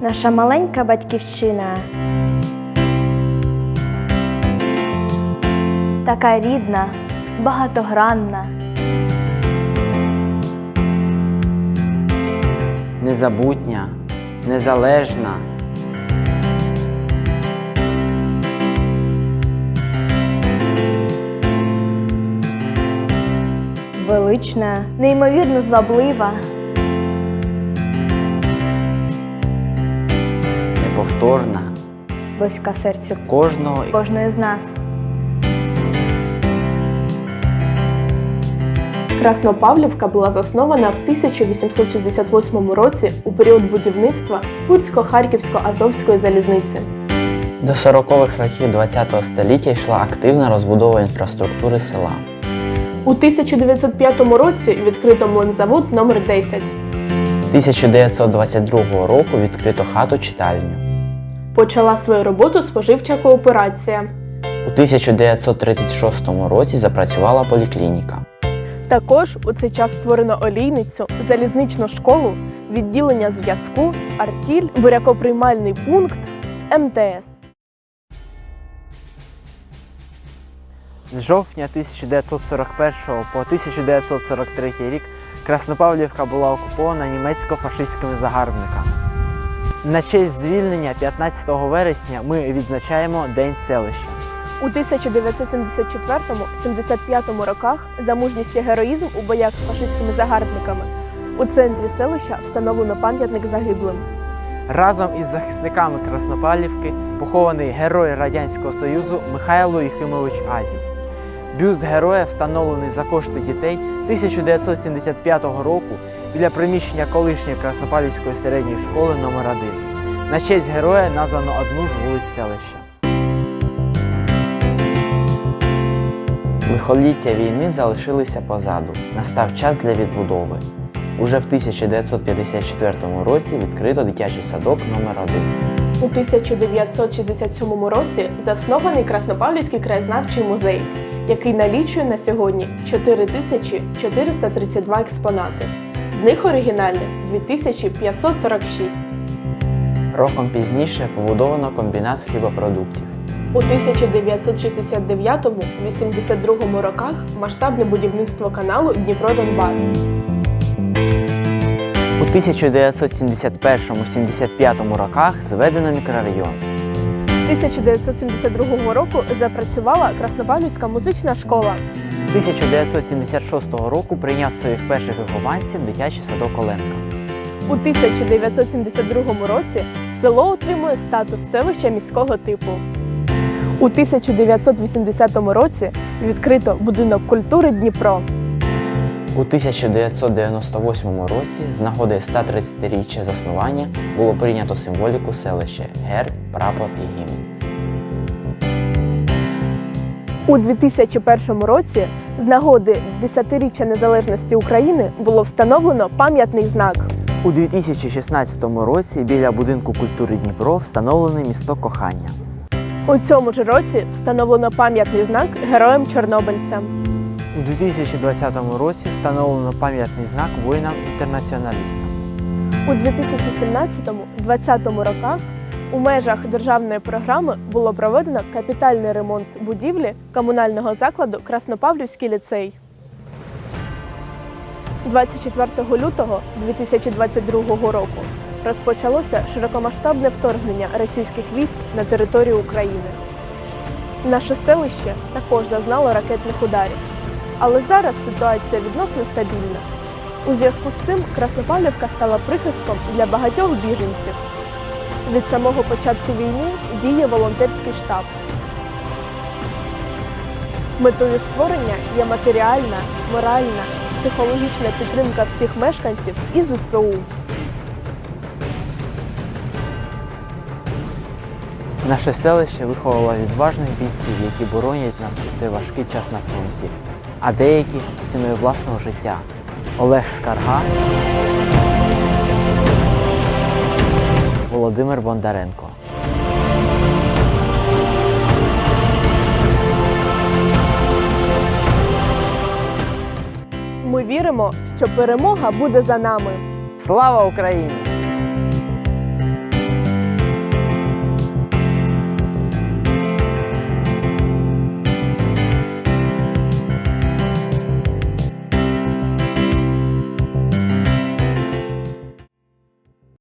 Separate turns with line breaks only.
наша маленька батьківщина. Така рідна, багатогранна.
Незабутня, незалежна.
Велична, неймовірно зваблива.
Неповторна.
Близька серцю
кожної
з нас.
Краснопавлівка була заснована в 1868 році у період будівництва Путсько-Харківсько-Азовської залізниці.
До 40-х років ХХ століття йшла активна розбудова інфраструктури села.
У 1905 році відкрито млинзавод номер 10.
1922 року відкрито хату-читальню.
Почала свою роботу споживча кооперація.
У 1936 році запрацювала поліклініка.
Також у цей час створено олійницю, залізничну школу, відділення зв'язку з артіль, бурякоприймальний пункт, МТС.
З жовтня 1941 по 1943 рік Краснопавлівка була окупована німецько-фашистськими загарбниками. На честь звільнення 15 вересня ми відзначаємо День селища.
У 1974-75 роках за мужність і героїзм у боях з фашистськими загарбниками у центрі селища встановлено пам'ятник загиблим.
Разом із захисниками Краснопавлівки похований герой Радянського Союзу Михайло Єхимович Азів. Бюст героя встановлений за кошти дітей 1975 року біля приміщення колишньої Краснопавлівської середньої школи номер 1. На честь героя названо одну з вулиць селища.
Лихоліття війни залишилися позаду. Настав час для відбудови. Уже в 1954 році відкрито дитячий садок номер 1.
У 1967 році заснований Краснопавлівський краєзнавчий музей, який налічує на сьогодні 4432 експонати. З них оригінальних 2546.
Роком пізніше побудовано комбінат хлібопродуктів.
У 1969-82 роках масштабне будівництво каналу Дніпро-Донбас.
У 1971-75 роках зведено мікрорайон.
1972 року запрацювала Краснопавлівська музична школа.
1976 року прийняв своїх перших вихованців дитячий садок Оленка.
У 1972 році село отримує статус селища міського типу. У 1980 році відкрито будинок культури Дніпро.
У 1998 році з нагоди 130-річчя заснування було прийнято символіку селища – герб, прапор і гімн.
У 2001 році з нагоди 10-річчя незалежності України було встановлено пам'ятний знак.
У 2016 році біля будинку культури Дніпро встановлений місток кохання.
У цьому ж році встановлено пам'ятний знак героям-чорнобильцям.
У 2020 році встановлено пам'ятний знак воїнам-інтернаціоналістам.
У 2017-2020 роках у межах державної програми було проведено капітальний ремонт будівлі комунального закладу Краснопавлівський ліцей. 24 лютого 2022 року розпочалося широкомасштабне вторгнення російських військ на територію України. Наше селище також зазнало ракетних ударів. Але зараз ситуація відносно стабільна. У зв'язку з цим Краснопавлівка стала прихистком для багатьох біженців. Від самого початку війни діє волонтерський штаб. Метою створення є матеріальна, моральна, психологічна підтримка всіх мешканців і ЗСУ.
Наше селище виховало відважних бійців, які боронять нас у цей важкий час на фронті, а деякі ціною власного життя. Олег Скарга, Володимир Бондаренко.
Ми віримо, що перемога буде за нами.
Слава Україні!